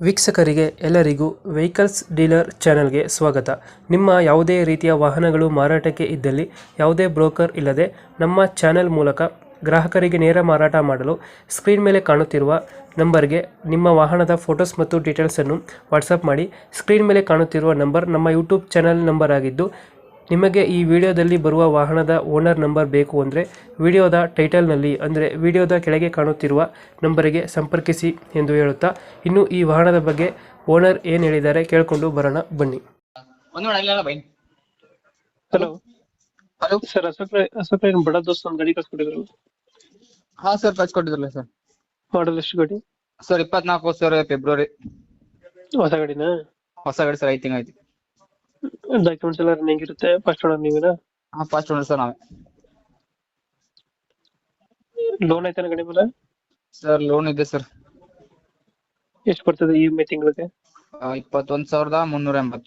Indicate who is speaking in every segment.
Speaker 1: ವೀಕ್ಷಕರಿಗೆ ಎಲ್ಲರಿಗೂ vehicles dealer ಚಾನೆಲ್ಗೆ ಸ್ವಾಗತ. ನಿಮ್ಮ ಯಾವುದೇ ರೀತಿಯ ವಾಹನಗಳು ಮಾರಾಟಕ್ಕೆ ಇದ್ದಲ್ಲಿ ಯಾವುದೇ ಬ್ರೋಕರ್ ಇಲ್ಲದೆ ನಮ್ಮ ಚಾನೆಲ್ ಮೂಲಕ ಗ್ರಾಹಕರಿಗೆ ನೇರ ಮಾರಾಟ ಮಾಡಲು ಸ್ಕ್ರೀನ್ ಮೇಲೆ ಕಾಣುತ್ತಿರುವ ನಂಬರ್ಗೆ ನಿಮ್ಮ ವಾಹನದ ಫೋಟೋಸ್ ಮತ್ತು ಡೀಟೇಲ್ಸನ್ನು ವಾಟ್ಸಪ್ ಮಾಡಿ. ಸ್ಕ್ರೀನ್ ಮೇಲೆ ಕಾಣುತ್ತಿರುವ ನಂಬರ್ ನಮ್ಮ ಯೂಟ್ಯೂಬ್ ಚಾನೆಲ್ ನಂಬರ್ ಆಗಿದ್ದು, ನಿಮಗೆ ಈ ವಿಡಿಯೋದಲ್ಲಿ ಬರುವ ವಾಹನದ ಓನರ್ ನಂಬರ್ ಬೇಕು ಅಂದರೆ ವಿಡಿಯೋದ ಟೈಟಲ್ನಲ್ಲಿ ಅಂದರೆ ವಿಡಿಯೋದ ಕೆಳಗೆ ಕಾಣುತ್ತಿರುವ ನಂಬರಿಗೆ ಸಂಪರ್ಕಿಸಿ ಎಂದು ಹೇಳುತ್ತಾ, ಇನ್ನು ಈ ವಾಹನದ ಬಗ್ಗೆ ಓನರ್ ಏನು ಹೇಳಿದ್ದಾರೆ ಕೇಳಿಕೊಂಡು ಬರೋಣ ಬನ್ನಿ.
Speaker 2: ಒಂದು ಮಾಡಲ್ಲ bye.
Speaker 1: Hello
Speaker 2: hello
Speaker 1: sir, Ashok Bada Dost ಒಂದು ಗಾಡಿ ಕಳ್ಸ್ಕೊಟ್ಟಿದ್ರು.
Speaker 2: ಹಾ ಸರ್, ಕಳ್ಸಿಕೊಟ್ಟಿದ್ರಲ್ಲ ಸರ್.
Speaker 1: ಮಾಡಲ್ ಎಷ್ಟು ಗಾಡಿ?
Speaker 2: Sir 24 sir, February.
Speaker 1: ಹೊಸ ಗಾಡಿನಾ?
Speaker 2: ಹೊಸ ಗಾಡಿ ಸರ್, 5 ತಿಂಗಳು ಐತಿ.
Speaker 1: ಡಾಕ್ಯುಮೆಂಟ್ಸ್ ಎಲ್ಲ ರನ್ನಿಂಗ್ ಇರುತ್ತೆ. ಫಸ್ಟ್ ಓನರ್ ನೀವೇನಾ?
Speaker 2: ಹಾ, ಫಸ್ಟ್ ಓನರ್ ಸರ್ ನಾವೇ.
Speaker 1: ಲೋನ್ ಐತಾನ ಗಾಡಿ ಮೇಲೆ?
Speaker 2: ಸರ್ ಲೋನ್ ಇದೆ ಸರ್.
Speaker 1: ಎಷ್ಟು ಬರ್ತದೆ EMI ತಿಂಗಳಿಗೆ?
Speaker 2: 21,380.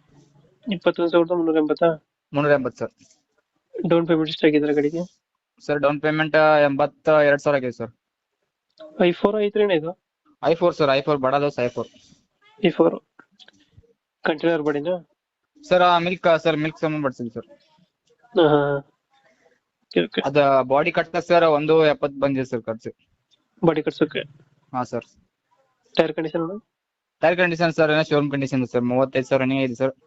Speaker 1: 21,380.
Speaker 2: 380 ಸರ್.
Speaker 1: ಡೌನ್ ಪೇಮೆಂಟ್ ಎಷ್ಟು ಆಗಿದ್ರೆ ಗಾಡಿಗೆ?
Speaker 2: ಸರ್ ಡೌನ್ ಪೇಮೆಂಟ್ 82,000 ಆಗಿದೆ ಸರ್.
Speaker 1: i4 i3 ಇದು?
Speaker 2: i4 sir, i4 Bada Dost i4.
Speaker 1: i4 container ಬಾಡಿನಾ?
Speaker 2: ಸರ್ ಮಿಲ್ಕ್ ಸಂಬಂಧ ಬಡ್ಸಿಲ್ಲ ಸರ್.
Speaker 1: ಹಾ, ಓಕೆ.
Speaker 2: ಅದ ಬಾಡಿ ಕಟ್ಟ ಸರ್ 170 ಬಂದಿದೆ ಸರ್ ಖರ್ಚು.
Speaker 1: ಬಾಡಿ ಕಟ್ಸೋಕೆ?
Speaker 2: ಹಾ sir.
Speaker 1: Tyre condition?
Speaker 2: Tyre condition sir showroom condition sir. 35,000 running ಇದೆ sir.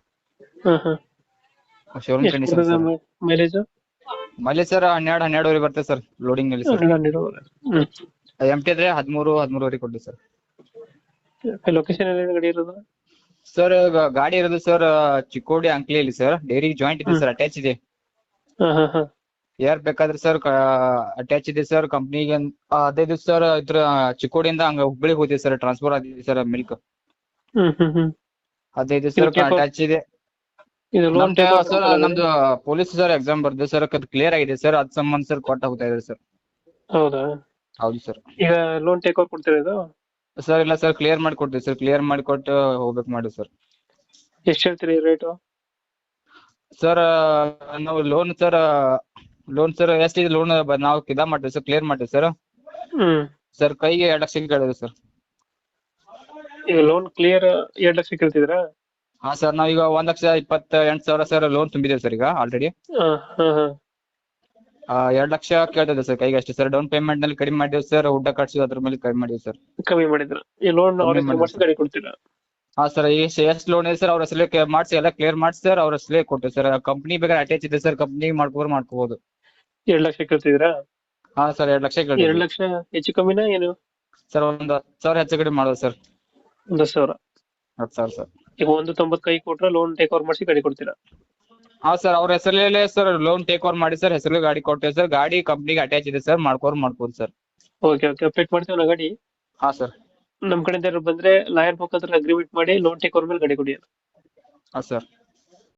Speaker 2: Showroom condition sir.
Speaker 1: Mileage?
Speaker 2: Mileage sir 12 ಬರ್ತದೆ ಸರ್ ಲೋಡಿಂಗ್ ಅಲ್ಲಿ ಸರ್. ಎಂಟಿ ಆದ್ರೆ 13 ಕೊಡ್ಲಿ ಸರ್.
Speaker 1: ಲೊಕೇಶನ್ ಎಲ್ಲಿ ಗಾಡಿ ಇರೋದು?
Speaker 2: ಸರ್ ಗಾಡಿ ಇರೋದು ಸರ್ ಚಿಕ್ಕೋಡಿ ಅಂಕ್ಲಿಯಲ್ಲಿ ಸರ್. ಡೈರಿ ಜಾಯಿಂಟ್ ಇದೆ ಸರ್, ಅಟ್ಯಾಚ್ ಇದೆ. ಯಾರ್ ಬೇಕಾದ್ರೆ ಸರ್ ಅಟ್ಯಾಚ್ ಇದೆ ಸರ್ ಕಂಪ್ನಿಗೆ. ಅದೇ ದಿವಸ ಸರ್ ಇದ್ರ ಚಿಕ್ಕೋಡಿಯಿಂದ ಹಂಗ ಹುಬ್ಳಿಗೆ ಹೋಗಿದೆ ಸರ್, ಟ್ರಾನ್ಸ್ಫರ್ ಆಗಿದೆ ಸರ್ ಮಿಲ್ಕ್. ಅದೇ ದಿವಸ ಸರ್ ಅಟ್ಯಾಚ್ ಇದೆ. ಸರ್ ನಮ್ದು ಪೊಲೀಸ್ ಸರ್ ಎಕ್ಸಾಮ್ ಬರ್ದೆ ಸರ್, ಅದು ಕ್ಲಿಯರ್ ಆಗಿದೆ ಸರ್. ಅದ್ ಸಂಬಂಧ ಸರ್ ಕೊಟ್ಟ ಹೋಗ್ತಾ ಇದೆ ಸರ್.
Speaker 1: ಹೌದಾ?
Speaker 2: ಹೌದು ಸರ್.
Speaker 1: ಈಗ ಲೋನ್ ಟೇಕ್ ಓವರ್ ಕೊಡ್ತೀರಾ ಇದು?
Speaker 2: ಸರ್ ಇಲ್ಲ ಸರ್, ಕ್ಲಿಯರ್ ಮಾಡಿ ಕೊಡ್ತೀವಿ ಸರ್. ಕ್ಲಿಯರ್ ಮಾಡಿ ಕೊಟ್ಟು ಹೋಗ್ಬೇಕು ಮಾಡಿ ಸರ್.
Speaker 1: ಎಷ್ಟು ಹೇಳ್ತೀರಿ ರೇಟು?
Speaker 2: ಸರ್ ನಾವು ಲೋನ್ ಸರ್ ಎಷ್ಟಿದೆ ಲೋನ್ ನಾವು ಮಾಡ್ತೀವಿ ಸರ್, ಕ್ಲಿಯರ್ ಮಾಡ್ತೀವಿ ಸರ್. ಸರ್ ಕೈಗೆ 2 ಲಕ್ಷ ಕೇಳಿದ್ರು ಸರ್.
Speaker 1: ಈಗ ಲೋನ್ ಕ್ಲಿಯರ್ 2 ಲಕ್ಷ ಕೇಳ್ತಿದ್ದೀರಾ?
Speaker 2: ಹಾ ಸರ್, ನಾವೀಗ 1,28,000 ಸರ್ ಲೋನ್ ತುಂಬಿದ್ದೇವೆ ಸರ್ ಈಗ ಆಲ್ರೆಡಿ. 2 ಲಕ್ಷ ಕೇಳ್ತಿದ್ದೆ ಸರ್ ಕೈಗೆ ಅಷ್ಟೇ ಸರ್. ಡೌನ್ ಪೇಮೆಂಟ್ ನಲ್ಲಿ ಕಡಿಮೆ ಮಾಡಿದ್ವಿ ಸರ್, ಊಟ ಖರ್ಚು ಅದ್ರ ಮೇಲೆ ಕಡಿಮೆ ಮಾಡಿದ್ವಿ ಸರ್.
Speaker 1: ಕಮ್ಮಿ ಮಾಡಿದ್ರ? ಈ ಲೋನ್ ಗಾಡಿ ಕೊಡ್ತೀರಾ?
Speaker 2: ಹಾ ಸರ್, ಎಷ್ಟು ಲೋನ್ ಇದೆ ಸರ್ ಅವ್ರ ಹೆಸರೇ ಮಾಡಿಸಿ ಎಲ್ಲ ಕ್ಲಿಯರ್ ಮಾಡಿಸಿ ಸರ್ ಅವ್ರ ಹೆಸರೇ ಕೊಟ್ಟು ಸರ್. ಕಂಪ್ನಿ ಬೇಕಾದ್ರೆ ಅಟ್ಯಾಚ್ ಇದೆ ಸರ್, ಕಂಪ್ನಿಗೆ ಮಾಡ್ಕೋಬಹುದು.
Speaker 1: 2 ಲಕ್ಷ ಕೇಳ್ತಿದ್ದೀರಾ?
Speaker 2: ಹಾ ಸರ್, 2 ಲಕ್ಷ ಕೇಳಿ.
Speaker 1: 2 ಲಕ್ಷ ಹೆಚ್ಚು ಕಮ್ಮಿನಾ ಏನು?
Speaker 2: ಸರ್ 10,000 ಹೆಚ್ಚು ಕಡಿಮೆ ಮಾಡೋದು ಸರ್.
Speaker 1: 10,000?
Speaker 2: 10,000 ಸರ್.
Speaker 1: ಈಗ 190 ಕೈ ಕೊಟ್ರೆ ಲೋನ್ ಟೇಕ್ ಓವರ್ ಮಾಡಿಸಿ ಗಾಡಿ ಕೊಡ್ತೀರಾ?
Speaker 2: ಹಾ ಸರ್, ಅವ್ರ ಹೆಸರಲ್ಲೇ ಸರ್ ಲೋನ್ ಟೇಕ್ ಓವರ್ ಮಾಡಿ ಸರ್, ಹೆಸರಲ್ಲಿ ಗಾಡಿ ಕೊಟ್ಟೇವೆ ಸರ್. ಗಾಡಿ ಕಂಪ್ನಿಗೆ ಅಟ್ಯಾಚ್ ಇದೆ ಸರ್, ಮಾಡ್ಬೋದು ಸರ್.
Speaker 1: ಓಕೆ ಅಪ್ಡೇಟ್ ಮಾಡ್ತೀವಿ ಗಾಡಿ.
Speaker 2: ಹಾ ಸರ್.
Speaker 1: ನಮ್ ಕಡೆಯಿಂದ ಬಂದ್ರೆ ಲಾಯರ್ ಮುಖಾಂತರ ಅಗ್ರಿಮೆಂಟ್ ಮಾಡಿ ಲೋನ್ ಟೇಕ್ ಓವರ್ ಮೇಲೆ ಗಾಡಿ ಕೊಡಿ.
Speaker 2: ಹಾ ಸರ್.